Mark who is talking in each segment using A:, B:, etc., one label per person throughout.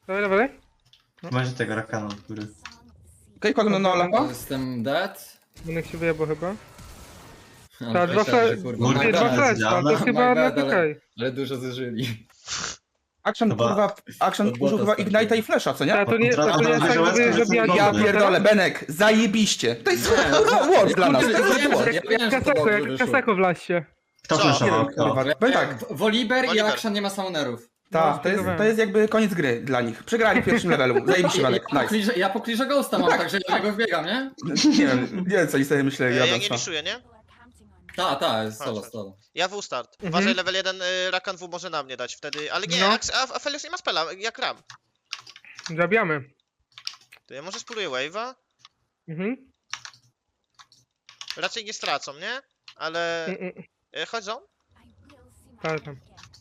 A: Dawaj, dawaj.
B: Macie tego rakana, który...
C: Okej, kładę na Olafa.
D: Jestem dead.
A: Będę się wyjebał chyba.
D: Ale
A: Tak, dwa
D: myślałem, że
A: flash,
D: kurwa,
B: Kurde,
D: my
A: dwa
D: bad,
A: flash,
B: działa.
A: to jest chyba
D: My
A: na
D: bad,
A: TK.
D: ale dużo zużyli.
C: Action,
B: Chyba-
C: kurwa, Action
D: Od bota
C: użył chyba
D: starczy.
C: Ignite'a i Flesza, co nie?
A: Tak, to nie jest tak, żeby zabijać.
C: Ja pierdolę, Benek, zajebiście. To jest war dla nas, to jest war.
D: Ja wiem, że to
A: Kaseko,
D: dobrze
A: jak
D: wyszło.
A: Kaseko w laście.
B: Kto
E: Co?
B: flashował?
C: Kurwa,
B: Kto?
C: powiem tak,
D: Woliber i
E: Woliber.
D: Action nie ma summonerów.
C: tak, to jest jakby koniec gry dla nich. Przegrali w pierwszym levelu, zajebiście Benek, nice.
D: Ja po clearze Ghosta mam, także ja go wbiegam, nie?
C: Nie wiem co oni sobie myśleli,
E: Ja
C: ja
E: nie liszuję, nie?
D: Ta, jest solo.
E: Ja W start. Uważaj, level 1 Rakan W może na mnie dać wtedy, ale nie,
A: No.
E: a Felius nie ma spela, jak Ram.
A: Zabijamy.
E: To ja może spróbuję wave'a?
A: Mhm.
E: Raczej nie stracą, nie? Ale... Chodź zone?
A: Tak, tam.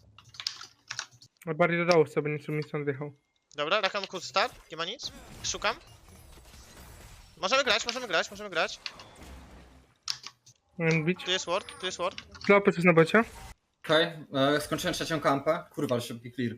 A: A bardziej do dołu sobie niczym mi stąd wjechał.
E: Dobra, Rakan kurs start, nie ma nic. Szukam. Możemy grać.
A: Mam bić.
E: Tu jest ward.
A: Klopy jest na bocie.
D: Okej, skończyłem trzecią kampę. Kurwa, ale szybki clear.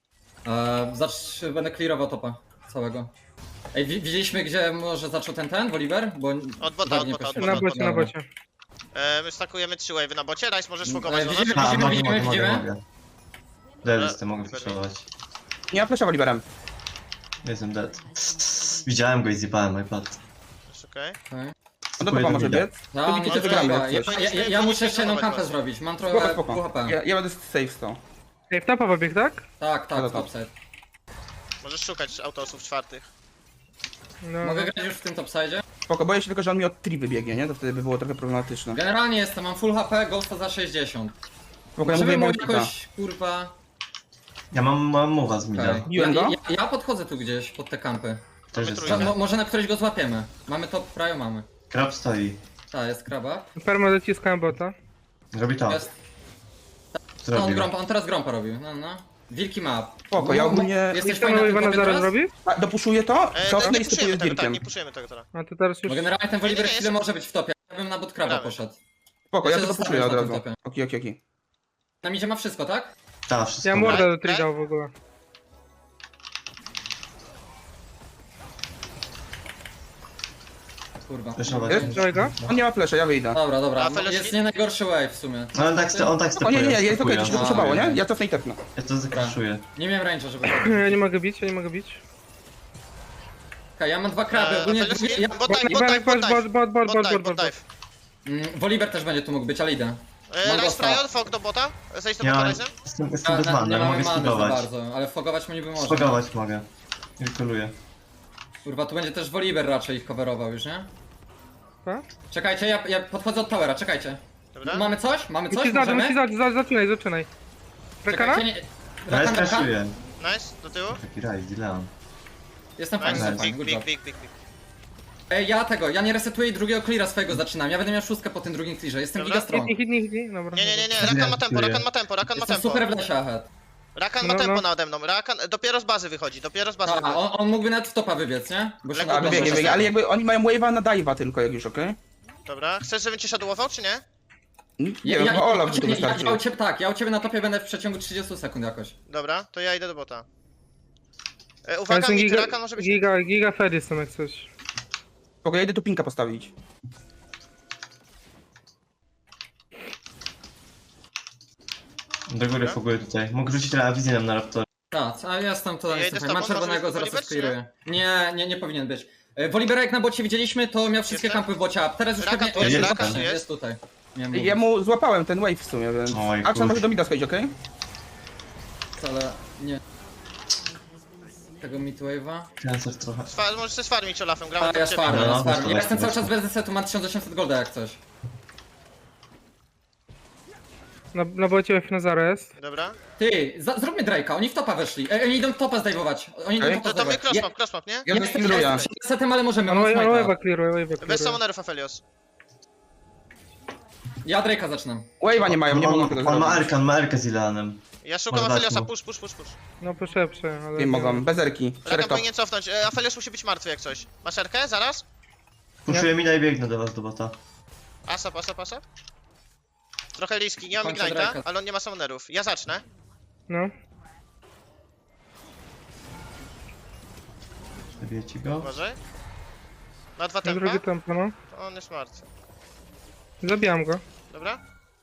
D: Będę clearował topa całego. Ej, widzieliśmy gdzie może zaczął ten Woliber? Bo
E: Od bota,
D: tak
E: od
D: nie
E: bota, od
D: poszło.
E: bota.
A: Na bocie.
E: My stakujemy 3 wave'y na bocie, Rice możesz fogować do nas.
D: widzimy-
B: A, mogę.
D: widzimy?
B: Dead jestem, mogę flashować.
C: Nie ma Flesza Woliberem.
B: Jestem dead. Widziałem go i zjebałem iPad.
E: Jest okej.
C: On do topa może biec.
D: Ja,
C: To
D: mam
C: widzicie,
D: trochę-
C: wygramy jak
D: ja,
C: coś.
D: ja muszę jeszcze jedną kampę
E: was.
D: zrobić. Mam
C: Spoko,
D: trochę
C: spoko.
D: pół HP.
C: Ja będę safe stał.
A: Ej, w topa pobieg, tak?
D: Tak,
C: Dobra, to.
D: topside.
E: Możesz szukać autosów czwartych.
A: No.
D: Mogę grać już w tym topside?
C: Spoko, boję się tylko, że on mi od 3 wybiegnie, nie? To wtedy by było trochę problematyczne.
D: Generalnie jestem, mam full HP, Ghosta za 60.
C: Spoko, ja
D: Możemy
C: mówię
D: mu
C: Benkita.
D: jakoś, kurwa...
B: Ja mam mowa z mida.
D: Okay.
C: Biłem go?
D: Ja podchodzę tu gdzieś, pod te kampy.
B: Też jest
E: trójkę.
D: Może na którejś go złapiemy. Mamy top, prawie mamy.
B: Krab stoi.
D: Ta, jest kraba.
A: Perma dociskałem bota.
B: Robi to.
D: Jest.
B: Zrobił.
D: On teraz grompa robił, no. Wilki ma.
C: Spoko, ja ogólnie-
D: Jesteś
A: Jeszcze
D: fajny na tym
A: Iwana
D: topie
A: zaraz
D: teraz?
A: robi?
C: Dopuszuję to, cofnę
E: Nie
C: i stypuję
E: puszujemy
C: z
E: tego, tak,
C: Dirkiem.
E: nie puszujemy tego teraz.
A: A to teraz już...
D: Bo generalnie ten Woliber
E: Nie, nie,
D: chwilę
E: jest-
D: może być w topie. Ja bym na bot kraba
E: Gramy.
D: poszedł.
C: Spoko, ja
D: Ja
C: to
D: się
C: dopuszuję od
D: zastanawiam
C: razu.
D: na tym
C: Okej.
D: Na midzie ma wszystko, tak?
B: Tak, wszystko.
A: Ja
B: ma.
A: mordę do
E: Tak?
A: trigał w ogóle.
D: Kurwa.
B: Flashować.
C: Jest?
A: Trzymaj go.
C: On nie ma flesza, ja wyjdę.
D: Dobra.
E: A Felios-
D: Jest nie najgorszy wave w sumie.
B: No on tak
C: O
B: stepuje.
C: nie, jest okej, to się
B: stepuje.
C: dopuszowało, nie? Ja cofnę i tepnę.
B: Ja to zakraszuję.
D: Nie miałem range'a, żeby...
A: Ja nie mogę bić.
D: Okej, ja mam dwa kraby. Ogólnie
E: Felius,
D: ja...
E: bot dive,
A: Iwanek, bot.
E: dive.
D: Woliber też będzie tu mógł być, ale idę. Mam
E: Rice
D: Ghosta.
E: Prior, fog do bota. Zejdź do
B: Ja
E: bota Rice'em.
B: jestem bez
D: Nie
B: mana, ale
D: mamy
B: mogę
D: many za
B: spogować.
D: bardzo, ale fogować mu niby można.
B: Spogować mogę. Gratuluję.
D: Kurwa, tu będzie też Woliber raczej ich coverował już, nie?
A: Tak?
D: Czekajcie, ja podchodzę od towera, czekajcie.
E: Dobra.
D: Mamy coś? Mamy coś?
A: Musisz zaczynaj. Rekana?
D: Czekajcie, nie...
B: Ja
D: Rakan.
B: skraszuję.
E: Nice, do tyłu.
B: Taki raj, Dileon.
D: Jestem fajny,
E: Nice,
D: jestem fajny, good job.
E: big.
D: Ej, ja nie resetuję i drugiego cleara swojego zaczynam. Ja będę miał szóstkę po tym drugim clearze, jestem
E: Dobra.
D: giga strong.
A: Hitnij. Dobra.
E: Nie, Rakan ma tempo, Rakan ma tempo.
D: Jestem super w lesie ahead.
E: Rakan ma
A: No,
E: tempo
A: no.
E: nade mną. Rakan dopiero z bazy wychodzi,
D: A, on mógłby nawet w topa wybiec, nie? Bo się
E: Lekko
C: A,
E: Dobra,
C: wybiegnie,
E: dobra.
C: ale jakby oni mają wave'a na dive'a tylko jak już, okej?
E: Dobra, chcesz, żebym cię shadowował, czy nie?
C: Nie wiem, chyba Olaf by tu wystarczy.
D: Ja u ciebie na topie będę w przeciągu 30 sekund jakoś.
E: Dobra, to ja idę do bota. Uwaga,
A: Ten
E: Rakan może być...
A: Giga Fedy są jak coś.
C: Spoko, ja idę tu pinka postawić.
B: Do góry foguję tutaj. Mógł rzucić wizję nam na raptor.
D: Tak, a ja jestem to
E: Ja
D: jestem
E: idę z
D: fajny. Mam
E: tobą,
D: czerwonego,
E: może
D: zaraz
E: Woliber,
D: skliruję. Nie powinien być. Wolibera jak na bocie widzieliśmy, to miał wszystkie
E: Jeszcze?
D: kampy w bocie, a teraz już
E: Rakan
D: pewnie...
E: tu
B: jest,
D: Rakan
B: Rakan
E: jest.
D: jest tutaj. Miałem
C: Ja mu złapałem ten wave w sumie, więc...
B: Oj,
C: Action
B: kurczę.
C: może do mida schodzić, okej?
D: mówić, ale nie... Tego midwave'a.
B: Cancer trochę.
E: Możesz się sfarmić Olafem, gramy
D: A,
E: do
D: ja
E: ciebie.
D: sfarmię,
B: No,
D: ja sfarmię.
B: to
D: Ja jestem cały
B: właśnie.
D: czas bez desetu, mam 1800 golda jak coś.
A: Na bocie Fnazara jest.
E: Dobra.
D: Ty, zróbmy Drake'a, oni w topa weszli. Oni idą topa zdejmować. Oni idą
C: Okej.
D: topa
E: To mnie
D: zdejmować.
E: crossmap, nie?
C: Ja to
D: Jestem
C: skilluję.
D: desetem, ale możemy,
A: On
D: mam smite'a.
A: wave'a clearuje.
E: Bez summonerów Aphelios.
D: Ja Drake'a zaczynam.
C: Wave'a nie mają, nie mogą tego
B: On ma
C: zrobić.
B: Erkan, ma Erkę z Ilanem.
E: Ja szukam
B: Może dać
E: Apheliosa,
B: mu.
E: push.
A: No proszę, ale...
C: Nie mogą, bez erki.
E: Rakan
C: Szereg top.
E: powinien cofnąć. Aphelios musi być martwy jak coś. Masz Erkę? Zaraz?
B: Puszuję mina i biegnę do was do bota.
E: Asap. Trochę riski, nie mam
D: Kończę
E: Ignite'a,
D: Drake'a.
E: ale on nie ma summonerów. Ja zacznę.
A: No.
B: Zabiję ci go.
E: Uważaj. Ma 2
A: Na
E: tempa.
A: drugie tempo, no.
E: To on jest martwy.
A: Zabijam go.
E: Dobra?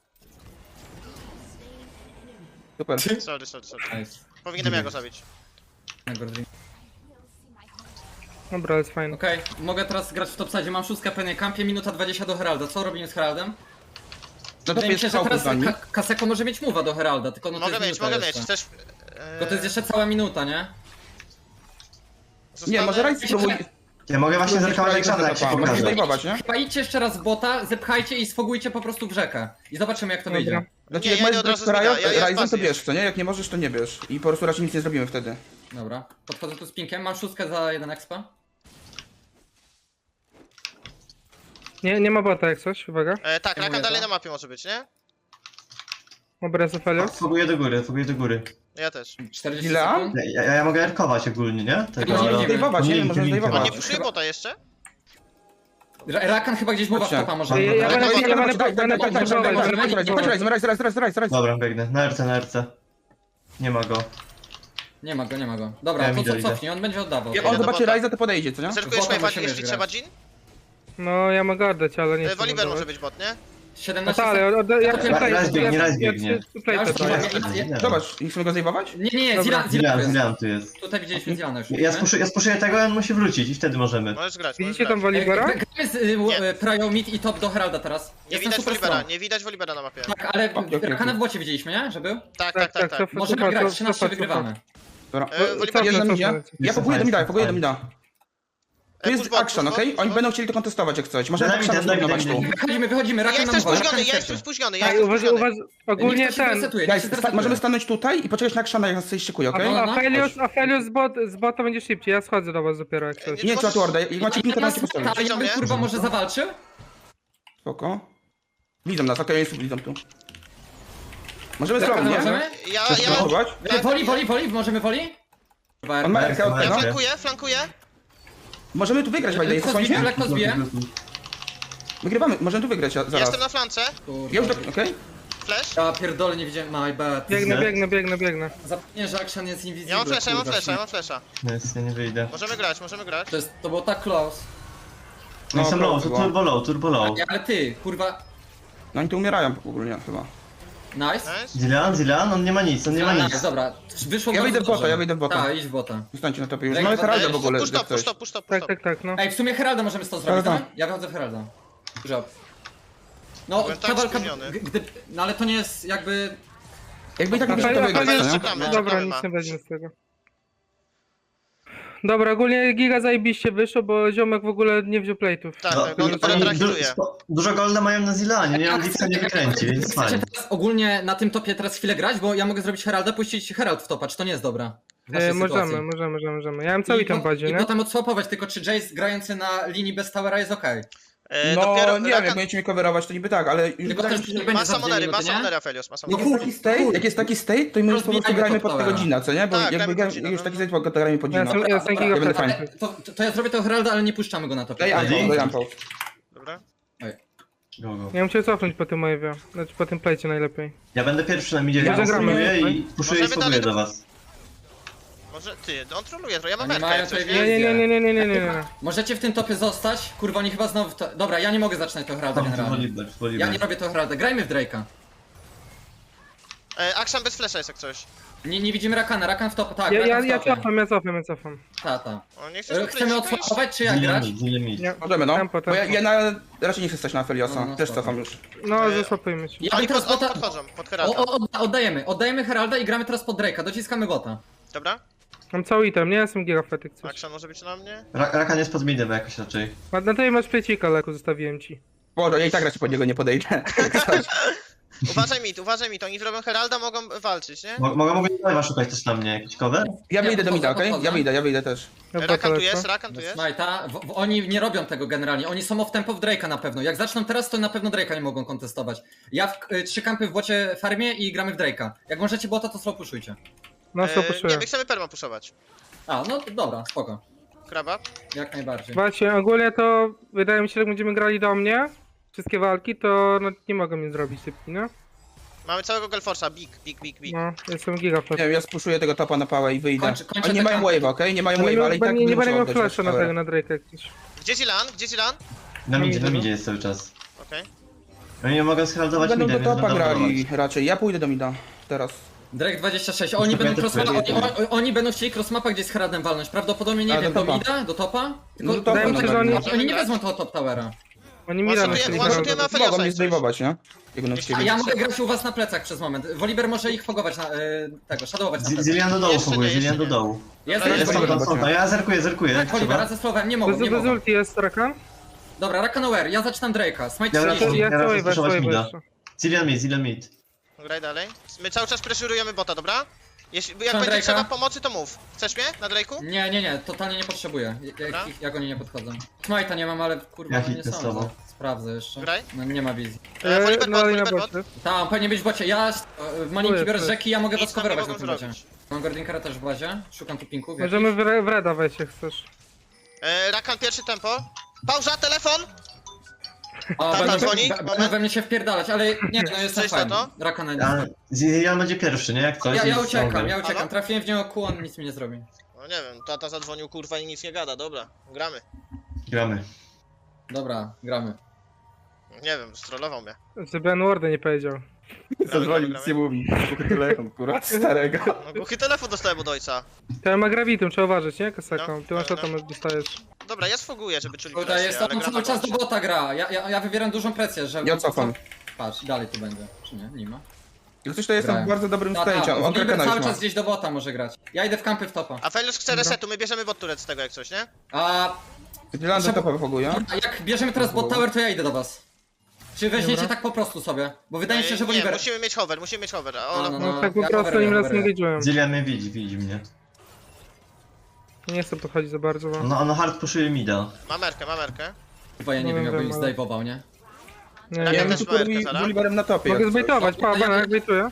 C: Super.
E: Sorry.
D: Nice.
E: Powinienem ja go zabić.
D: Na Gordon.
A: Dobra, jest fajny.
D: Okej, mogę teraz grać w topside, mam 6 pewnie kampie, minuta 20 do Heralda. Co robimy z Heraldem?
C: No to
D: Wydaje mi
C: jest
D: się, że
C: całkiem
D: teraz
C: za nim.
D: Kaseko może mieć mowa do Heralda, tylko no to
E: Mogę
D: jest
E: mieć.
D: minuta jeszcze.
E: Chcesz...
D: Tylko to jest jeszcze cała minuta, nie?
C: Nie, może Rajs spróbuj.
B: Ja mogę właśnie zerkować Aleksandra, jak się
C: Możesz
B: pokaże.
C: zdejmować, nie?
D: Chyba idźcie jeszcze raz w bota, zepchajcie i sfogujcie po prostu w rzekę. I zobaczymy jak to
A: Dobra.
D: wyjdzie.
C: Znaczy,
E: Nie,
C: jak
E: ja
C: możesz
E: idę od razu
C: brać
E: z mida, ja
C: Ryzen, to
E: pasję.
C: bierz, co nie? Jak nie możesz, to nie bierz. I po prostu raczej nic nie zrobimy wtedy.
D: Dobra, podchodzę tu z pinkiem, mam 6 za 1 expa.
A: Nie ma bota jak coś, uwaga.
E: Tak,
D: Ja
E: Rakan
D: mówię,
E: dalej
D: to.
E: na mapie może być, nie?
A: Dobra, Zofelios.
B: Foguję do góry.
E: Ja też.
D: 40
C: Ile?
D: sekund.
B: Ja mogę erkować ogólnie, nie?
D: Możemy
C: Możesz zdejmować, nie? Możesz
E: On
C: zdejmować.
E: nie puszuje bota jeszcze?
D: Rakan chyba gdzieś mowa w
C: Chodźcie.
D: topa może.
A: Ja
E: Ale
A: będę
B: Dobra, biegnę. Na RC. Nie ma go.
D: Nie ma go. Dobra,
B: Ja
D: to
B: idę.
D: cofnij, on będzie oddawał.
C: Jak on
E: do
C: zobaczy
E: bota.
C: Ryza, to podejdzie, co nie?
E: Zerkujesz
D: Bota
E: najbardziej,
D: musimy
E: jeśli
D: grać.
E: trzeba Jin?
A: No, ja mogę oddać, ale nie chcę.
E: Volibear może
A: oddawać.
E: być bot, nie?
A: No
D: 17
A: tak, ale
D: sekund.
A: ja
B: Raz biegnie.
D: Ja już
A: tutaj.
D: nie-
C: Zobacz, nie chcemy go zdejmować?
D: Nie,
A: Dobra.
D: Zilan
B: Tu jest.
D: Tutaj widzieliśmy Zilana już.
B: Ja spuszuję tego, on musi wrócić i wtedy możemy.
E: Możesz grać,
A: Widzicie tam Wolibera?
D: Gramy z Prio Mid i top do Heralda teraz.
E: Nie
D: Jestem
E: widać
D: super
E: Volibera,
D: strong.
E: nie widać Volibera na mapie.
D: Tak, ale
C: Okej.
D: Rakana w bocie widzieliśmy, nie? Że był?
E: Tak.
D: Możemy grać, 13 wygrywamy.
C: Dobra.
E: Volibera
C: Jest na
A: cofnę,
C: midzie.
A: cofnę.
C: Ja poguję do mida, poguję do mida. Tu
E: push
C: jest
E: bot,
C: action,
E: push
C: okej?
E: bot,
C: Oni
E: push
C: będą
E: bot.
C: chcieli to kontestować jak coś. Możemy
B: Daj mi
C: action
B: ten, daj mi
C: zrównować
B: ten.
C: tu.
D: Wychodzimy,
E: Ja
D: Rakan nam
E: jestem
D: woła,
E: spóźniony,
D: Rakan
E: ja jestem
D: krzyczy.
E: spóźniony,
A: Tak, ogólnie ten.
C: Guys, możemy stanąć tutaj i poczekać na actiona, jak nas coś szykuje, okej?
D: No, no.
A: Felios z bota będzie szybciej, ja schodzę do was dopiero jak coś.
C: Nie, trzeba tu ordę. Jak macie pinkę, to macie postawić.
D: A ja bym kurwa może zawalczył?
C: Spoko. Widzą nas, okej, jest widzą tu. Możemy
D: Rakana
C: zrobić, nie?
D: możemy?
C: Chcesz
E: Ja
C: spróbować?
D: Woli, możemy woli?
C: On ma RK od tego.
E: flankuję.
C: Możemy tu wygrać, Wajda, jest
D: Lekko zbiję,
C: słońce?
D: lekko zbiję.
C: Wygrywamy, możemy tu wygrać zaraz.
E: Jestem na flance.
C: Ja już, okej?
E: Flash.
D: Ja pierdolę, nie widziałem, my bad.
A: Biegnę.
D: Zapomniałem, że action jest invisible.
E: Ja mam flasha, ja mam
D: kurwa,
E: flasha, ja mam flasha.
B: Nic, ja nie wyjdę.
E: Możemy grać.
D: To było tak close.
B: No i są
C: No,
B: low, to turbo low.
D: Ale ty, kurwa,
C: No oni tu umierają ogólnie chyba.
D: nice.
E: Nice.
B: Zilan, on nie ma nic,
D: Nice, dobra, wyszło
C: Ja
D: bardzo
C: wyjdę w bota,
D: dobrze.
C: ja wyjdę w bota.
D: Tak, idź w bota.
C: Zostańcie na topie już.
D: Ej,
C: Mamy Heralda
E: Ej,
C: w ogóle,
E: Push
C: jak
E: top,
C: coś.
E: push top.
A: Tak, no.
D: Ej, w sumie Heralda możemy z to zrobić,
C: Tak,
D: tak? Ja wychodzę w Heralda. Job. No,
E: Byłem
D: ta
E: tak
D: walka,
E: spóźniony.
D: no ale to nie jest jakby...
C: Jakby i tak nie to wygrać,
A: Felios,
C: nie?
E: Czekamy,
A: dobra,
E: czekamy,
A: nic
E: ma.
A: nie będzie z tego. Dobra, ogólnie giga zajebiście wyszło, bo ziomek w ogóle nie wziął plate'ów.
E: Tak,
B: No,
E: tak, on dopiero
B: oni
E: traktuje.
B: dużo golda mają na Zilanie, nie mam nic nie wykręci, więc
D: Chcecie
B: fajnie.
D: teraz ogólnie na tym topie teraz chwilę grać, bo ja mogę zrobić Heralda, puścić Herald w topa, czy to nie jest dobra? W naszej sytuacji.
A: Możemy. Ja mam cały tam badzie,
D: I
A: nie?
D: potem odswapować, tylko czy Jace grający na linii bez towera jest okej.
C: No nie wiem, jak
E: Rakan-
C: będziecie mnie coverować, to niby tak, ale już
D: Tylko
C: wydaje
D: też
C: mi się,
D: nie
C: że...
D: będzie
E: Ma
D: za 2
E: summonery,
D: minuty, nie?
E: Felios, ma
C: Jak
E: summonery.
C: jest taki state, to my już po prostu
D: Rozbijajmy
C: grajmy
D: pod
C: pod tego
D: towera.
C: Gina, co nie? Bo
E: Tak,
C: jakby
E: grajmy pod Gina,
C: już
E: no.
C: taki state, to grajmy pod Gina.
A: Ja jestem giga
C: będę
A: fajny.
C: fajny.
D: To ja zrobię to Heralda, ale nie puszczamy go na topie.
C: Daj ampo.
E: Dobra.
B: Go.
A: Ja bym chciał cofnąć po tym wave'ie, znaczy po tym plejcie najlepiej.
B: Ja będę pierwszy na midzie,
A: Ja
B: ja
A: zagramy,
B: spróbuję
A: nie?
B: i puszuję i
E: Możemy
B: spróbuję
E: dalej
B: do was.
E: Może ty, on troluje, ja mam
D: Oni
E: merkę
D: mają
E: jak coś,
D: tutaj
E: nie?
A: Nie.
D: Możecie w tym topie zostać? Kurwa, oni chyba znowu... Dobra, ja nie mogę zaczynać to Heralda generalnie. Ja nie robię to Heralda. Grajmy w Drake'a.
E: Action bez flasha jest jak coś.
D: Nie widzimy Rakana, Rakan w top, tak,
A: Ja
D: Rakan w topie.
A: cofam.
D: Ta.
E: On nie chce
D: Chcemy odswapować, czy jak grać?
A: Nie.
C: Możemy, no.
A: Tempo.
C: Bo ja raczej nie chcę stać na Feliosa,
D: No,
C: też
D: spoko.
C: cofam już.
A: No, zasłapujmy się.
D: Ja bym
E: Oni
D: teraz bota...
E: podchodzą, pod Heralda.
D: Oddajemy Heralda i gramy teraz pod Drake'a, dociskamy bota.
E: Dobra?
A: Mam cały item, nie jestem giga fetyk coś.
E: Action może być na mnie?
B: Rakan jest pod midem jakoś raczej.
A: Na tej masz plecika, Leku, zostawiłem ci.
C: Boże, ja i tak raczej pod niego nie podejdę.
E: Uważaj mi, to oni zrobią Heralda, mogą walczyć, nie?
B: Mogę live'a szukać też na mnie, jakiś cover?
C: Ja wyjdę do mida, okej?
D: podchodzę.
C: Ja wyjdę też.
A: Dobra,
E: Rakan tu
A: to
E: jest,
A: lecę.
E: Rakan tu jest.
D: Smajta, oni nie robią tego generalnie, oni są off tempo w Drake'a na pewno. Jak zaczną teraz, to na pewno Drake'a nie mogą kontestować. Ja 3 kampy w bocie farmie i gramy w Drake'a. Jak możecie bota, to slow pushujcie.
A: No, co
E: Nie,
A: puszuję.
E: my chcemy perma puszować.
D: No dobra, spoko.
E: Kraba.
D: Jak najbardziej.
A: Właśnie, ogólnie to wydaje mi się, że jak będziemy grali do mnie, wszystkie walki, to no, nie mogą mnie zrobić szybki, no?
E: Mamy całego Gelforsa, big.
A: No, jestem giga flash.
C: Nie wiem, ja spuszuję tego topa na pałę i wyjdę.
D: Kończę
C: Oni nie
D: te
C: mają
D: kampy.
C: wave'a, okej? Nie mają
A: Ale
C: wave'a, ale i tak
A: nie
C: muszę
A: będę miał
C: oddać
A: flasha na
C: tower.
A: tego, na Drake'a jak coś.
E: Gdzie Zilan? Gdzie Zilan?
B: Na midzie jest cały czas.
E: Okej.
B: Oni nie mogą sheraldować
C: Będą
B: mida,
C: do
B: więc
C: topa
B: będą
C: grali
B: blokować.
C: raczej. Ja pójdę do mida teraz.
D: Drake 26, oni będą oni będą chcieli crossmapa gdzieś z Heradem walnąć, prawdopodobnie nie
C: A,
D: wiem,
C: do
D: do
C: topa.
D: mida, do topa?
C: No
D: Tylko
C: to
A: Wydaje mi się, że
D: oni nie wezmą tego top towera.
A: Oni Mira na
E: One-shotujemy
A: chwilę
E: Aphelios.
A: grają.
C: Mogą mnie
E: jak coś.
C: zdejmować, nie? Biegnąc
E: Jeśli-
D: A
C: ciebie.
D: ja mogę grać u was na plecach przez moment. Woliber może ich fogować na tego, shadowować na plecach.
B: Zilian do dołu
E: Jeszcze
B: foguje,
E: nie,
B: Zilian do
E: jeszcze nie.
B: dołu.
D: Jest,
E: Dobra,
B: Jest
E: jest
B: stąd, stąd, ja zerkuję, jak
D: Wolibera
B: trzeba.
D: ze słowem, nie mogą, nie
A: Bez
D: mogą.
A: ulti jest Rakan?
D: Dobra, Rakanoware, ja zaczynam Drake'a, smite
B: Dobra,
D: 30.
A: Ja
B: Teraz
A: chcę wave,
B: spuszować mida.
A: jeszcze.
B: Zilian mid.
E: Graj dalej. My cały czas preszurujemy bota, dobra? Jak
D: Są
E: będzie
D: Drake'a?
E: trzeba pomocy, to mów. Chcesz mnie na Drake'u?
D: Nie, totalnie nie potrzebuję.
E: Dobra.
D: Jak oni nie podchodzą. Smite'a nie mam, ale kurwa
B: Ja
D: no nie
B: hitnę z
D: sądzę.
B: tobą.
D: Sprawdzę jeszcze.
E: Graj.
D: No nie ma wizji.
E: Woliber bot,
A: na
E: Woliber bot.
A: bocie.
D: Tam, powinien być w bocie. Ja w malinki biorę z rzeki, ja mogę was
E: Nic nam nie
D: coverować na
E: mogą
D: tym bocie.
E: zrobić.
D: Mam Gordinkara też w bazie, szukam tu pinków.
A: Możemy w Reda wejść jak chcesz.
E: Rakan pierwszy tempo. Pauza, telefon!
D: O,
E: Tata
D: będą
E: dzwoni?
D: będą we mnie się wpierdalać, ale nie, no jestem
E: Coś na
D: fajny.
E: to?
D: Rakana
B: A
D: nie.
B: Zilian będzie pierwszy, nie? Jak coś.
D: Ja
B: jest
D: uciekam,
B: stronger.
D: ja uciekam.
E: Halo?
D: Trafiłem w niego kół, on nic mi nie zrobi.
E: No nie wiem, tata zadzwonił kurwa i nic nie gada, dobra. Gramy.
B: Gramy.
D: Dobra, gramy.
E: Nie wiem, strollował mnie.
A: Żeby N-worda nie powiedział.
C: Zadzwonił, nic nie mówi. Tylko telefon, kurwa, starego.
E: No głuchy telefon dostałem od ojca.
A: To ma gravitum, trzeba uważać, nie? Kasaką. Ty masz
E: no.
A: tam dostajesz.
E: Dobra, ja sfoguję, żeby czuli
D: Tutaj
E: presję,
D: jest
E: ale
D: on
E: gram
D: cały
E: na
D: czas do
E: bocie.
D: bota gra. Ja wywieram dużą presję, że...
C: Ja cofam.
D: Patrz, dalej tu będzie. Czy nie? Nie ma.
C: Jak coś to jestem w
D: Grałem.
C: bardzo dobrym stage'u. On
D: Woliber
C: Krakena
D: cały
C: już ma.
D: czas gdzieś do bota może grać. Ja idę w kampy w topa.
E: A Felius chce resetu, my bierzemy bot turret z tego jak coś, nie?
D: A
C: Dylan do topa wyfoguje.
D: jak bierzemy teraz bot tower, to ja idę do was. Czy weźmiecie
A: Dobra.
D: tak po prostu sobie? Bo wydaje mi się, że
E: Nie,
D: Woliber...
E: musimy mieć hover, musimy mieć hover. A
D: No,
E: ona...
D: no,
A: No tak po
D: ja
A: prostu
D: coveruję,
A: im raz
D: coveruję.
A: engage'ują.
B: Zilian mnie widzi mnie.
A: Nie chcę podchodzić za bardzo, bo...
B: Ono hard pushuje mida.
E: Ma merkę, ma merkę.
D: Chyba ja nie
A: No,
D: wiem, jakbym
A: wiem,
D: ich
A: ale-
D: zdejmował, nie?
A: Nie,
E: Ja
C: Ja
A: nie.
E: też
C: bym tu
E: Merkę, Zara.
C: Woliberem na topie.
A: Mogę
C: jak coś.
A: zbejtować, pa,
D: Ja-
A: jak bejtuję.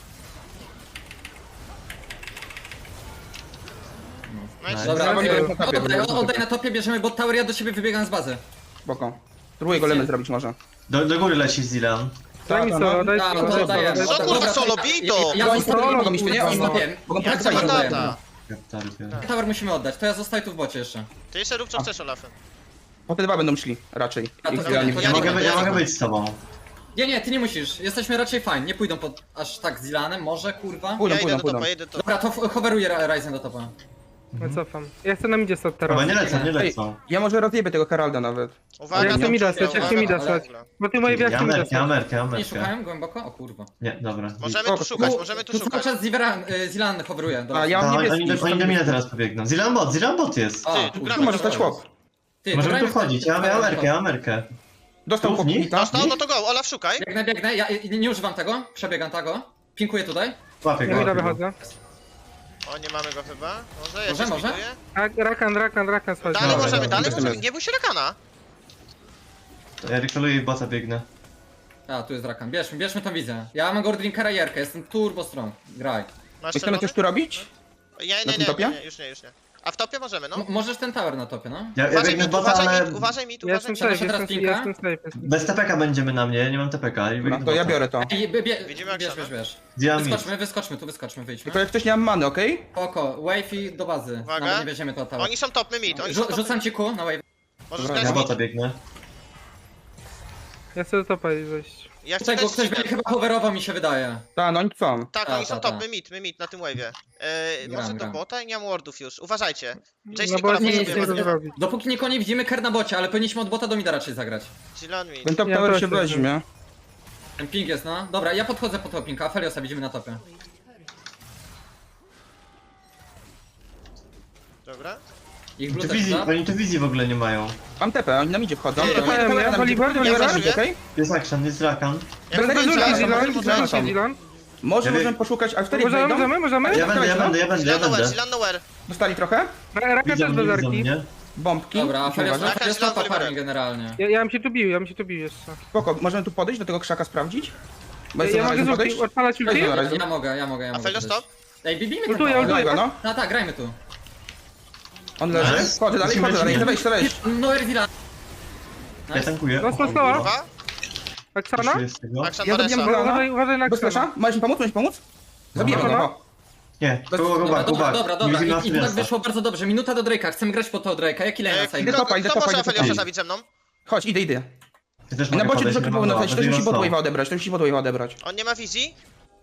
E: Nice.
D: Dobra,
C: Woliber na topie, Woliber na
D: oddaj
C: topie.
D: na topie, bierzemy bot tower, ja do ciebie wybiegam z bazy.
C: Spoko. Spróbuję go lemę zrobić może.
B: Do góry leci Zilian.
A: Daj mi
C: Tak,
A: solo,
C: no.
A: daj
D: Tak,
A: solo,
D: to
A: daj
D: oddaję.
A: solo.
E: Co kurwa solo, bij to!
D: Ja
C: Oni
D: zostawię,
C: mogą iść, nie? Oni mogą
E: Ja chcę
C: podejść.
E: tata.
D: Tower musimy oddać, to ja zostaję tu w bocie jeszcze.
E: Ty jeszcze rób co chcesz, Olafem.
C: Po te dwa będą szli, raczej.
D: A, to
C: Ich
D: dobra,
C: Dylan nie
D: to
C: będzie.
D: ja
C: mogła.
B: Ja mogę być z tobą.
D: Nie, ty nie musisz, jesteśmy raczej fajni, nie pójdą pod aż tak z Ilanem, może kurwa.
C: Pójdą,
E: Ja idę
C: pójdą,
E: do
C: pójdą.
E: topa, jedę do topa.
D: Dobra, to hoveruję Ryzen do topa.
A: Ja cofam. Ja chcę na midzie stać teraz.
B: Chyba nie lecą, nie
C: Ej,
B: lecą.
C: ja może rozjebię tego Heralda nawet.
E: Uwaga,
A: Ja chcę
E: tam
A: mida
E: czuję,
A: stać, ja chcę
E: uwaga,
A: mida
E: uwaga.
A: stać. Bo ty moje
B: Ja
A: wiatki mida
B: merkę, ja
A: stać.
B: merkę, ja
D: Nie
B: merkę.
D: szukałem głęboko? O kurwa.
B: Nie, dobra.
E: Możemy tu szukać, możemy tu
D: Tu cały
E: szukać.
D: czas z Ilan hoveruje. Dobra.
C: A ja mam
B: A,
C: niebieski.
B: oni do mnie teraz pobiegną. Zilian bot jest.
D: A,
E: Ty, tu
D: kurwa.
E: gramy.
C: Tu może stać chłop.
D: Ty,
B: Możemy
D: grajmy
B: tu
D: w ten-
B: wchodzić, ja mam merkę, ja mam merkę.
C: Dostał
B: Równi?
C: chłopnika.
E: Dostał, no to go, Olaf szukaj.
D: Biegnę, ja nie używam tego, przebiegam tego. Pinkuję tutaj.
B: Łapię
A: Ja
B: go.
A: mida
B: łapię go.
A: wychodzę.
E: O, nie mamy go chyba. Może, ja
D: Może,
E: się
D: może?
E: spiduję.
A: Rakan schodzi.
E: Dalej
B: Dobra,
E: możemy,
B: dobra,
E: dalej
C: jestem
E: możemy.
C: jest.
E: Nie bój się Rakana.
B: Ja recalluję i bota biegnę.
D: A, tu jest Rakan, bierzmy tą wizję. Ja mam Gordrinkara i Jerkę, jestem turbo strong. Graj.
E: Masz
C: Chcemy
E: czerwony?
C: coś tu robić?
E: Nie,
C: na tym topie?
E: już nie. A w topie możemy, no.
D: Możesz ten tower na topie, no.
B: Ja
E: Uważaj
B: biegnę
E: mit,
B: w bota, ale
E: uważaj mit.
A: Ja jestem
D: Trzeba
A: safe,
D: się teraz
A: jestem
D: pinka?
A: safe.
B: bez TPK będziemy na mnie, ja nie mam TPK. I
C: No
B: biegnę
C: to ja
B: bota.
C: biorę to.
D: Ej,
E: Widzimy jak trzeba.
D: bierz.
B: Zilian mid.
D: Wyskoczmy, wyjdźmy.
C: Tylko jak ktoś nie mam many, okej?
D: Spoko, wave i do bazy.
E: Uwaga.
D: Nawet nie weźmiemy to tower.
E: Oni są top, my mit. Oni są top.
D: Rzucam ci ku na wave.
E: Możesz
C: Dobra,
E: grać
B: Ja
E: mit.
B: bota biegnę.
E: Tak,
A: Ja chcę do topa wejść.
E: Ja chcę
D: Tutaj
E: też...
D: ktoś będzie chyba hoverował, mi się wydaje.
C: Tak, no oni są.
E: Tak,
D: Ta,
E: oni są
D: ta,
E: top,
D: ta.
E: my mit na tym wave'ie.
D: Gram,
E: Może do
D: gram.
E: bota i nie mam wardów już. Uważajcie. Jace
A: No bo
E: Nikola
A: nie
D: nie,
A: nic
E: sobie
A: nie
D: nie,
A: mogę zrobić.
D: Dopóki nikogo nie widzimy, ker na bocie, ale powinniśmy od bota do mida raczej zagrać.
E: Zilan mit.
C: Ten top
A: Ja
C: tower
A: też
C: się
A: jestem.
C: weźmie.
D: Ten ping jest, no. Dobra, ja podchodzę po tego pinka, a Feliosa widzimy na topie.
E: Dobra.
D: Ich blue też da.
B: Oni tu wizji w ogóle nie mają.
C: Mam tepę, oni na midzie wchodzą.
E: Nie,
C: Tepę,
A: nie,
C: tepę, na
A: Woliber,
C: midzie.
A: Woliber.
C: Wchodzą, okej?
B: Jest action, jest Rakan.
E: Ja
C: Będę
E: chcę
C: wiedział,
E: Zilan,
C: że
E: możemy,
C: Zilan,
E: możemy.
A: Zilan.
C: Może
B: Ja
C: możemy
B: wiem.
C: poszukać, a wtedy jak wejdą?
A: Możemy?
B: Ja będę.
E: Zilan nowhere, Zilan nowhere.
C: Dostali trochę?
A: Raka
B: Widzą
A: też
B: mnie,
A: bez
B: widzą
A: arki.
B: mnie.
C: Bombki.
D: Dobra, a
C: Muszę
D: Felios
C: uważać.
E: Jaka jest
D: topa
E: Oliverem?
D: farming generalnie.
A: Ja bym się tu bił jeszcze.
C: Spoko, możemy tu podejść, do tego krzaka sprawdzić? Bo
A: Ja
C: jestem na
A: mogę
C: razie
A: z ulti,
C: podejść?
A: odpalać ulti?
C: Dobra, Ryzen.
D: Ja mogę.
E: A Felios top?
D: Ej, bibimy ten
A: Ultuję,
D: tower.
A: ultuję.
C: Dawaj go, no.
D: Tak, grajmy tu.
C: On leży.
B: Nice.
C: Wchodzę dalej, chcę wejść.
B: Lecimy.
C: Chcę wejść.
D: No Erzila.
B: Ja tankuję.
A: Dostał slowa.
E: Dwa.
A: Aksana?
B: Puszuję z tego.
E: Akshan
C: Ja
E: ma
C: zabijam
E: resa.
C: go.
A: Uważaj na
C: Bez
A: Aksana.
C: flasha? Możesz mi pomóc? Możesz mi pomóc? Zabijemy go,
A: No.
C: no.
B: Nie,
C: Bez-
B: go
D: Dobra,
B: back, go
D: dobra,
B: back.
D: dobra,
B: Nie
D: dobra.
B: widzimy
D: I tak
B: Apheliasa.
D: wyszło bardzo dobrze. Minuta do Drake'a. Chcemy grać po to Drake'a. Jaki lane na side?
C: Idę topa,
E: Kto może
C: idę
E: Aphelios'a
C: topa.
E: zabić ze mną?
C: Chodź, idę.
B: Ty też
C: Na
B: mogę
C: bocie
B: podejść,
C: dużo
B: nie
C: creepów
B: mam
C: na
B: mała,
C: fejsie, ktoś
B: będę
C: musi
B: ją
C: bot
B: stał.
C: wave'a odebrać, ktoś musi bot wave'a odebrać.
E: On nie ma wizji.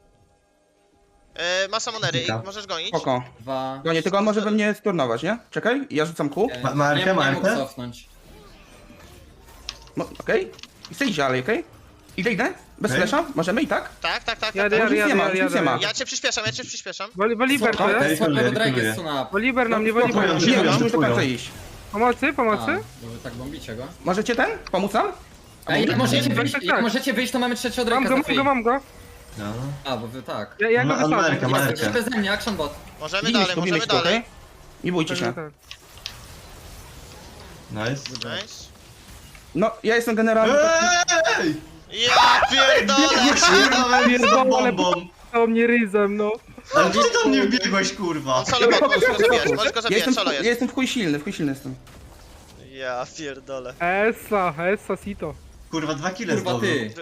E: Ma samonery,
B: Dobra.
E: możesz gonić.
C: Spoko.
D: 2.
C: No nie, tylko on może we mnie sturnować, nie? Czekaj, ja rzucam Q.
B: Ma Arkę,
D: nie
B: ma
D: mógł
B: Arkę?
D: cofnąć.
C: No, okej. I chcę iść dalej, okej? Idę? Bez
B: Okej.
C: flasha? Możemy i tak?
E: Tak, tak, tak.
A: Jadę,
E: tak.
C: Już nic nie ma, już nic nie ma.
A: jadę.
E: Ja cię przyspieszam.
A: Woliber to jest?
D: Słabego
B: Kuluję.
D: Drake jest suna.
A: Woliber na mnie,
C: Spoko,
A: Woliber na
B: Kupują,
A: mnie.
C: Nie,
B: kupują,
C: musimy do końca
B: kupują.
C: iść.
A: Pomocy?
D: Bo wy tak bombicie go.
C: Możecie ten? Pomóc nam?
D: Ej, jak możecie
A: tak,
D: wyjść,
A: tak,
D: jak
A: tak.
D: możecie wyjść, to mamy trzeciego
A: Mam
D: Drake'a
A: go,
D: za
A: mam
D: free.
A: go, mam go.
B: No.
D: A, bo wy tak.
A: Ja go
B: Ma
A: wysadzę.
B: Amerkę, ma
D: Jesteście
B: Arkę.
D: beze mnie, action bot.
E: Możemy
C: Lubimy
E: dalej, możemy
C: się, okej?
E: dalej.
C: Nie bójcie się.
A: Tak.
B: Nice.
E: Nice.
C: No, ja jestem generalnie...
B: Ej!
E: Ja pierdolę!
B: Pierdolę bombą!
A: To mnie ryzem, no.
B: Ale ty do mnie wbiegłeś, kurwa!
E: On solo bot, możesz go zabijać, możesz go
C: Ja
E: zabijać,
C: jestem,
E: solo
C: ja
E: jest.
C: jestem w chuj silny jestem.
E: Ja pierdolę.
A: Essa, sito.
B: Kurwa, 2 kile
D: Kurwa
B: zdobył.
D: ty.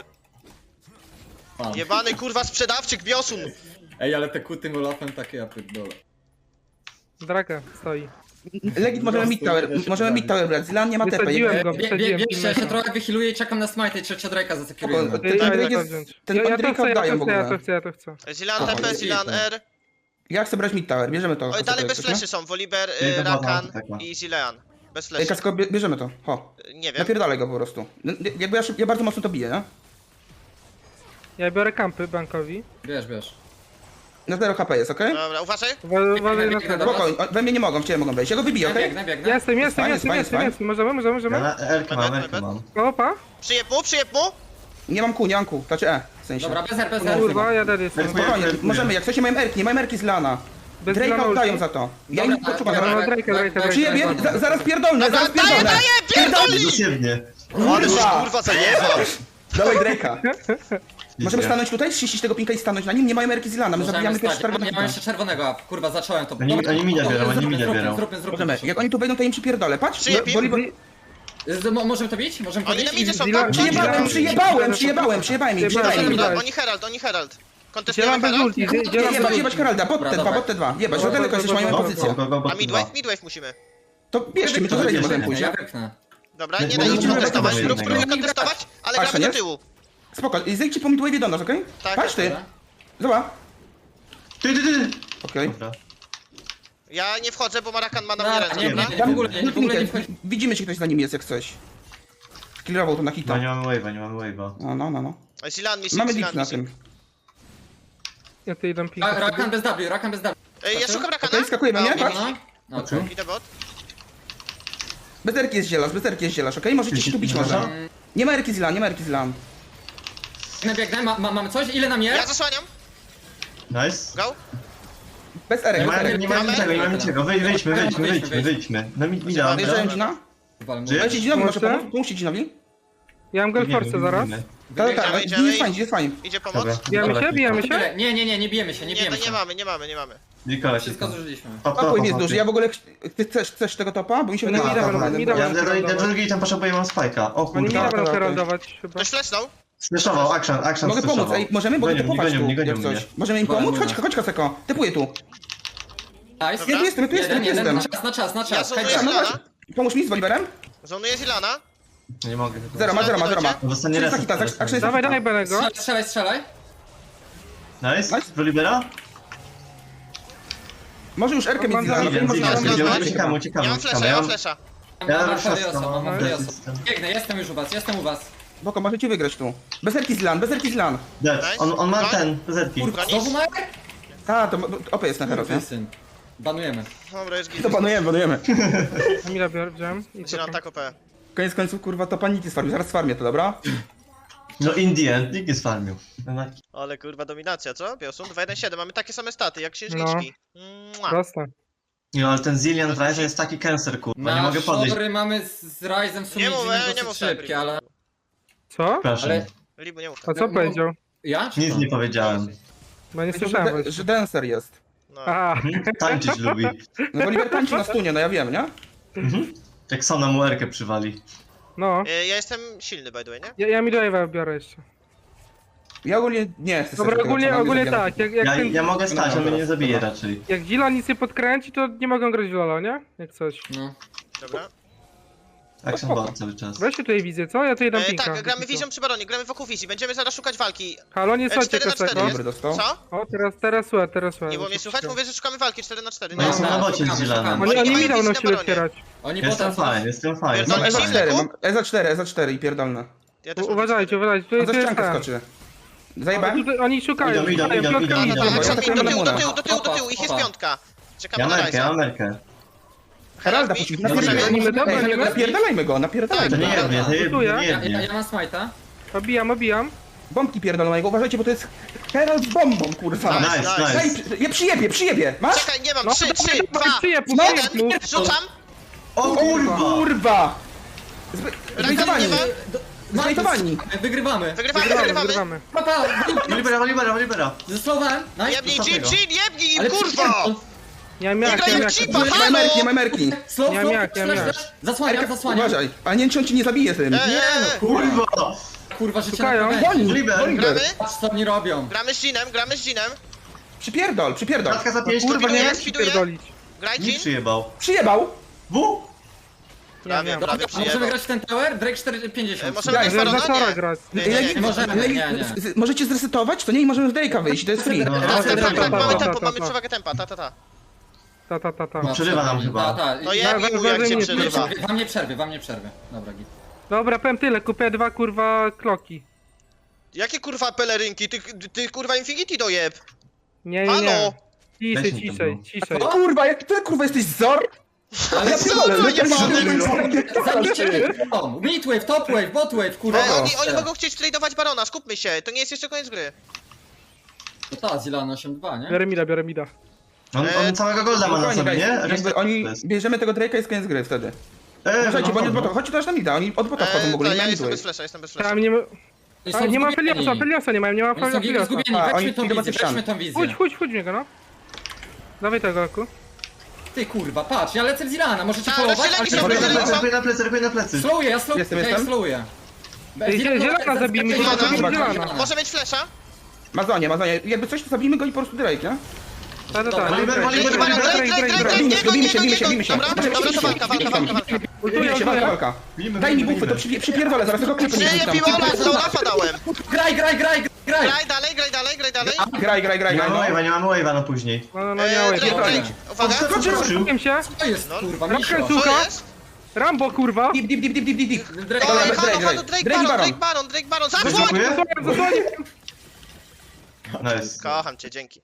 D: Pan.
E: Jebany kurwa sprzedawczyk Biosun!
D: Ej, ale te kuty Olafem takie ja pierdolę.
A: Draka stoi.
C: Legit możemy mid tower, możemy mid tower brać. Zilan nie ma TP.
A: Wysadziłem go,
D: Bierzcie,
A: wysadziłem.
D: ja się trochę wychiluję i czekam na smite i trzeciego Drake'a zasekurujemy.
C: Spoko.
A: Ej,
C: Ten
A: ja
C: Drake
A: to
C: jest...
A: wziąć.
C: Ten
A: Ja to
C: Drake'a
A: chcę,
C: oddają w
A: ja
C: ogóle.
A: to chcę.
E: Zilan
C: Aha,
E: TP, Zilan R.
C: Ja chcę brać mid tower, bierzemy to.
E: Oj, dalej bez fleszy są, Volibear,
B: Nie, to
E: Rakan
B: dobra,
E: i Zilean. Bez
C: Ej,
E: fleszy.
C: Kasko, bierzemy to. Ho.
E: Nie wiem.
C: Napierdalaj go po prostu. Jakby ja bardzo mocno to biję, nie?
A: Ja biorę kampy bankowi.
D: Bierz.
C: Na 0 HP jest, okej?
E: Dobra, uważaj.
A: Uważaj na
D: Biegnę,
A: to.
D: dobra.
C: Spoko, we mnie nie mogą, w ciebie mogą wejść. Ja go wybiję, okej?
D: Biegnę.
A: Jestem.
C: Fajnie.
A: Możemy.
B: Ja na Erkę mam, Erkę mam.
A: Opa.
E: Przyjeb mu!
C: Nie mam Q. Znaczy w sensie.
D: Dobra, bez R.
A: Kurwa, ja dead jestem.
C: Spokojnie, możemy, jak coś nie mają erki z Lana.
A: Bez
C: Drake'a
A: Lana
C: oddają
A: ulti.
C: za to. Ja
D: Dobra,
C: im poczekam,
D: dobra,
C: zaraz
A: Drake'a.
C: przyjebie, zaraz pierdolnę, zaraz pierdolnę.
E: Pierdoli!
B: Dosłownie.
E: Ale żeś
C: Kurwa.
E: kurwa zajebał!
C: Dawaj Drake'a. Możemy stanąć tutaj, ściścić tego pinka i stanąć na nim, nie mają erki z Lana, my zabijamy pierwszy target.
D: Nie mam jeszcze czerwonego, a kurwa zacząłem to.
B: Oni minia biorą, oni minia biorą.
C: Możemy, jak oni tu wejdą, to im przypierdolę, patrz.
E: Przyjeb im.
D: Możemy to bić? Możemy to
E: Oni na
D: bić?
E: midzie są,
A: Zila-
E: tam
C: Przyjebałem im.
E: Oni Herald. Kontestujemy
A: Dzielam bez
E: Herald?
A: ulti, dzielam bez
C: Jebać Heralda, bot te dwa. Jebać, że daleko jesteś, mają pozycję.
E: A midwave musimy.
C: To bierzcie mi, to zaraz możemy pójść.
D: Ja wypchnę.
E: Dobra,
B: Nie,
E: nie
B: możemy
E: dajcie kontestować,
B: jednego.
E: spróbujmy kontestować, ale
C: Patrz,
E: gramy do
C: nie?
E: tyłu.
C: Spoko, i zejdźcie po midwave do nas, okej?
E: Tak,
C: Patrz ty,
D: Dobra.
C: zobacz.
B: Ty!
C: Okej.
B: Dobra.
E: Ja nie wchodzę, bo Marakan ma na mnie ręce,
D: Nie,
E: dobra?
D: w ogóle nie wchodzi.
C: Widzimy, czy ktoś za nim jest, jak coś. Clearował to na hita.
B: No nie mamy wave'a.
C: No.
E: Zilan missing,
C: Mamy
E: Zilan
C: dick na
E: missing.
C: tym.
A: Ja tu idę pika.
D: Rakan bez W.
E: Ja szukam Rakana.
C: Okej, skakujemy, nie? Patrz.
D: No, okej.
E: Idę bot.
C: Bez erki jest zielasz, okej? Możecie się tu bić może. Nie ma erki z lan.
D: Biegnę, mamy coś? Ile nam
E: Ja
D: jest?
E: zasłaniam.
B: Nice.
E: Go.
C: Bez erek,
B: Nie
C: bez
B: mamy
C: erek.
B: niczego. Wyjdźmy. Na mid mida.
C: Wjeżdżałem Gina.
B: Żyjesz?
C: Dajcie Ginowi, może
A: Może?
C: pomóc? Pomóżcie Ginowi.
A: Ja mam Gelforce zaraz.
C: Tak,
E: Idziemy.
C: jest fajnie.
E: Idzie pomoc.
B: Dobra.
A: Bijamy się?
D: Nie bijemy się.
E: Nie mamy.
B: Nikola się
D: Wszystko zużyliśmy.
C: Top jest duży, ja w ogóle... Ty chcesz tego topa? Bo mi się
A: No
C: wydaje,
A: nie,
C: że
A: dobra,
C: tak,
A: nie,
C: dobra.
A: dobra.
B: Ja do drugiej tam potrzebuję, mam spajka. O
A: Oni mi
B: kurwa.
A: nie będą
C: okej.
A: heraldować chyba.
E: Ktoś flesznął?
B: Slashował, action
C: Mogę pomóc,
B: slashował.
C: ej, możemy? Bo
B: Gonią
C: to
B: mnie,
C: popatrz tu,
B: nie gonią
C: jak
B: mnie.
C: coś. Możemy im pomóc? Chodź Kaseko, typuję tu.
D: Nice.
C: Ja tu jestem.
D: Na czas.
E: Ja zonuję
D: Hejda.
C: no
E: Zilana.
C: Pomóż mi z Woliberem?
E: Zonuję Zilana.
B: Nie mogę.
C: Zero ma.
B: No dostanie
C: 300
B: reset
C: hita,
B: teraz.
C: action jest
A: Dawaj,
C: hita.
A: dawaj Benego.
D: Strzelaj.
B: Nice.
C: Nice.
B: Volibera?
C: Może już erkę mieć z Zilanem,
B: Zillian,
C: może
B: Zillian,
C: już
B: Zillian.
C: erkę.
B: Uciekamy.
E: Nie mam flesza.
B: Ja
D: Mam
B: już
D: Arthuriosa,
B: mam
D: mam
B: Arthuriosa.
D: Arthuriosa. Biegnę, jestem już u was.
C: Boko, możecie wygrać tu. Bez erki z Zilan.
B: Dead. On ma ten, zerki.
D: Znowu ma?
C: A, to OP jest na teraz, nie?
D: Syn. Banujemy.
E: Dobra, jest git.
C: To panujemy.
A: Amira wziąłem. I
E: Zilan
A: co?
E: tak OP.
C: Koniec końców, kurwa, to paniki sfarmił, zaraz sfarmię to, dobra?
B: No in the end, nikt nie sfarmił.
E: Ale kurwa dominacja, co? Biosun 2-1-7, mamy takie same staty jak księżniczki. Mua.
A: Proste.
B: No ale ten Zillian Ryzen jest taki cancer, kurwa. Nie
D: Na
B: mogę podejść.
D: szory mamy z Ryzem w sumie
E: Nie mów,
D: idziemy
E: nie
D: dosyć
E: mów
D: szybkie,
E: tak,
D: ale...
A: Co?
B: Przepraszam.
D: Ale...
E: Libu, nie mów
A: A
E: tak.
A: co powiedział?
D: Ja? Czy
B: Nic
D: to?
B: nie powiedziałem.
A: Bo nie słyszałem właśnie.
C: Że dancer jest.
E: No.
A: A,
B: Tańczyć lubi.
C: No Woliber tańczy na stunie, no ja wiem, nie?
B: Jak Sona mu erkę przywali.
A: No.
E: Ja jestem silny, by the way, nie?
A: Ja mi do biorę jeszcze.
C: Ja ogólnie nie chcę
A: Dobra,
C: sobie tego, co mam,
A: ogólnie
C: nie
A: tak. Jak
B: Ja mogę stać, on mnie nie
C: Dobra.
B: zabije raczej.
A: jak Zila nic nie podkręci, to nie mogą grać w Lola, nie? Jak coś.
D: No.
E: Dobra.
B: Action ball cały czas.
A: Weź się tutaj wizję, co? Ja tutaj dam pinka.
E: Tak, gramy wizją przy baronie, gramy wokół wizji. Będziemy zaraz szukać walki.
A: Halo, nie słuchajcie
E: 4 na 4
A: kasego.
E: jest.
C: Dobry dostał.
E: Co?
A: O, teraz słuchaj, teraz słuchaj.
E: Nie było mnie słychać? Mówię, że szukamy walki 4 na 4.
B: No
E: Nie?
B: jestem na bocie z
D: szukamy,
B: Zielanem.
D: szukamy.
A: Oni
E: nie
A: mi
E: mają
A: dał
E: wizji
A: na
E: na
A: siłę
E: baronie.
A: otwierać.
D: Oni
B: Jestem
D: bota
B: fajny, jestem fajny.
E: No,
C: Mam
E: jest
C: EZA4,
E: silny,
C: mam EZA4 i pierdolne.
E: Ja też
A: Uważajcie, uważajcie.
C: On
A: Tutaj
C: za
A: jest
C: ściankę
A: ten.
C: skoczy. Zajebałem?
A: Tutaj oni szukają.
B: Idą,
A: szukają,
B: idą,
A: piątka
B: idą,
A: idą.
B: idą.
E: Tak,
C: Dobra,
E: do tyłu,
C: Lemona.
E: do tyłu, ich jest
D: Opa.
E: piątka. Czekamy
B: Ja
E: na
B: merkę, ja
E: Ryza.
B: merkę.
C: Heralda
E: mi?
C: puścić,
E: Możemy?
C: napierdalajmy go.
A: Możemy?
C: Napierdalajmy go,
B: To
C: napierdalajmy
B: nie
C: go.
B: jednie, to
A: Gotuję.
B: nie jednie.
D: Ja mam smite'a.
A: Obijam.
C: Bombki pierdolonego, uważajcie, bo to jest Herald z bombą, kurwa.
E: Nice,
B: Nice,
E: nice.
B: nice.
C: Ja przyjebie, masz?
E: Czekaj, nie mam.
A: No,
E: 3,
A: dawaj,
E: 2,
A: dawaj, przyjeb,
E: 1. Rzucam.
B: O kurwa!
C: Kurwa!
E: Raka nie ma.
C: Zbejtowani.
D: Wygrywamy.
A: Wygrywamy.
D: Papa,
B: Libera.
D: zesłowałem. Nice.
E: Jebnij,
B: Ostatniego.
E: jebnij im,
D: Ale
E: kurwa!
A: Nie mam
E: Nie
A: jak,
E: grają
A: nie mam
E: cipa,
A: jak.
E: halo!
C: Nie ma merki.
D: Slow,
A: Ja
D: slow,
A: miak.
D: Zasłaniam.
C: Uważaj, a nie wiem, czy on ci nie zabije tym.
B: Kurwa!
D: Kurwa, życie
A: Szukają.
D: na pewno.
B: Oliver.
E: Gramy?
D: Patrz co oni robią.
E: Gramy z Jinem.
C: Przypierdol.
B: Kratka za 5,
A: Kurwa, nie
E: Spiduję,
A: wiem jak
E: spiduję.
A: pierdolić.
E: Graj
B: nie
E: Jin.
B: przyjebał.
C: Przyjebał.
B: W?
E: Prawie,
A: wiem.
E: prawie
D: A możemy
E: przyjebał.
D: grać w ten tower? Drake 450.
E: Możemy grać
A: Zaraz
E: Barona?
A: zaczęła
E: Nie.
A: grać.
E: Nie.
D: Możemy, nie.
C: Możecie zresetować? To nie i możemy z Drake'a wyjść, to jest free.
B: No,
E: Tak, mamy
A: Ta.
E: tempo, mamy przewagę tempa, ta.
A: Ta.
B: Przerywa nam chyba.
E: No jebnij mu, jak cię
A: nie
E: przerywa.
D: Wam nie przerwy. Dobra, git.
A: Dobra, powiem tyle, kupię 2 kurwa kloki.
E: Jakie kurwa pelerynki? Ty kurwa Infinity dojeb.
A: Nie.
E: Halo!
B: Weź mi to,
A: Ciszej.
C: O kurwa, jak ty kurwa jesteś Zor?
E: Ale
C: Ja pierdolę,
E: co,
C: leciałem
E: jebany?
D: Midwave, topwave, botwave, kurwa.
E: Oni mogą chcieć tradeować Barona, skupmy się, to nie jest jeszcze koniec gry.
D: To ta, Zilan 8-2, nie?
A: Biorę mida.
B: On całego golda ma na
C: Spokojnie,
B: sobie, nie?
C: guys, jakby oni bierzemy tego Drake'a i jest koniec gry wtedy.
B: Ej,
C: Uważajcie, bo oni od
B: no.
C: bota, chodźcie też na mida, oni od bota wchodzą w ogóle, nie
E: Ja
C: mają
E: jestem
C: midway.
E: bez flasha,
A: Tam nie ma...
D: Oni
A: A,
D: są
A: nie ma
D: zgubieni.
A: Feliosa nie mają, nie ma
D: Oni są
A: Feliosa.
D: zgubieni,
C: A,
D: weźmy
C: oni
D: tą
C: idą
D: wizję,
C: do ściany.
D: weźmy tą wizję.
A: Chodź w niego, no. Dawaj tego, Aku.
D: Ty kurwa, patrz, ja lecę w Zilana, możecie
E: A,
D: followować?
E: rozdzieleni
D: Ale
E: są,
D: ja
E: rozdzieleni są.
B: Rykuj na plecy.
D: slowuję, ja slowuję,
C: Jestem.
D: slowuję.
A: Zielona zabijmy,
E: Zielona. Może mieć flasha?
C: Mazonie, jakby coś, to zabijmy go i po prostu Drake, nie?
A: Ta.
B: Oliver,
E: Drake, Baron, Drake,
C: Bijmy się.
E: Dobra, to walka.
C: Bijmy się, walka. Daj mi bufy, to przypierdolę, zaraz tego klipy nie
E: Nie,
C: rzucam.
E: Piwola, Lafa dałem.
D: Graj!
E: Graj dalej.
C: Graj, no.
B: Nie mamy wave'a na później.
A: No, nie ma
E: Drake, uwaga.
B: Skoczył.
A: Wiem się.
D: Co jest, kurwa,
A: Rapkę
D: misio?
A: su-
E: Co jest?
A: Rambo, kurwa.
C: Dip.
D: Drake,
E: Halo,
C: Drake
E: Drake Baron, zasłoń!
B: Dziękuję.
A: Zasłonię.
B: Nice.
E: Kocham cię, dzięki.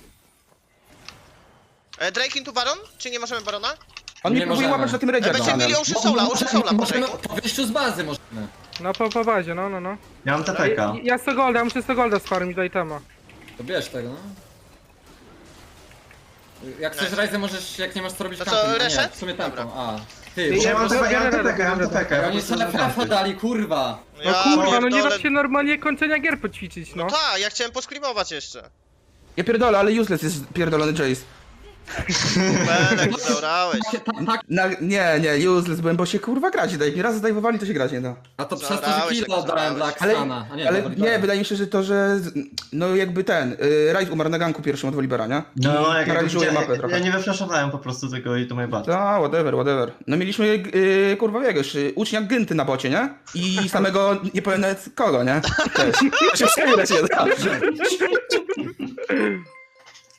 E: Drake into Baron? Czy nie możemy Barona?
C: On
D: Nie
C: mnie próbuje
D: możemy.
C: łapać na tym redzie.
E: Będziemy mieli Ocean Soula po
D: Możemy
E: Drake'u.
D: po wyjściu z bazy możemy.
A: No po bazie, no.
B: Ja mam TPK.
A: Ja 100 golda, muszę 100 golda sfarmić do itema.
D: To bierz tego, no. Jak chcesz
E: Nice.
D: Ryze możesz, jak nie masz co robić
E: To co,
D: kampy. Nie,
E: reset?
D: w sumie taką,
E: Dobra.
D: a. Ty,
A: Ja
B: Ja mam TPK, ja mam
A: Oni
B: TPK.
D: oni sobie trafa dali, kurwa.
A: No kurwa, no nie
E: pierdolę.
A: da się normalnie kończenia gier poćwiczyć, no.
E: No tak, ja chciałem poskribować jeszcze.
C: Ja pierdolę, ale useless jest pierdolony Jace.
E: Belek, zaorałeś.
C: Nie, useless byłem, bo się kurwa grać daje. Jak mi raz zdejmowali, to się grać nie da.
D: A to przez to, że
E: Zaorałeś,
D: killa
E: jak
D: oddałem dla
E: zaorałeś.
D: Aksana. A nie,
C: Ale
D: dla
C: nie,
D: Wolibera.
C: wydaje mi się, że to, że no jakby ten, Ryze umarł na ganku pierwszym od Wolibera, nie?
B: No, jak
C: paraliżuje mapę
B: ja
C: trochę.
B: nie wyflaszowałem po prostu tego i to moje bad.
C: Ta, whatever. No mieliśmy, kurwa wiesz, ucznia Gynty na bocie, nie? I samego, nie powiem nawet kogo, nie? Też. Się przegrać nie da.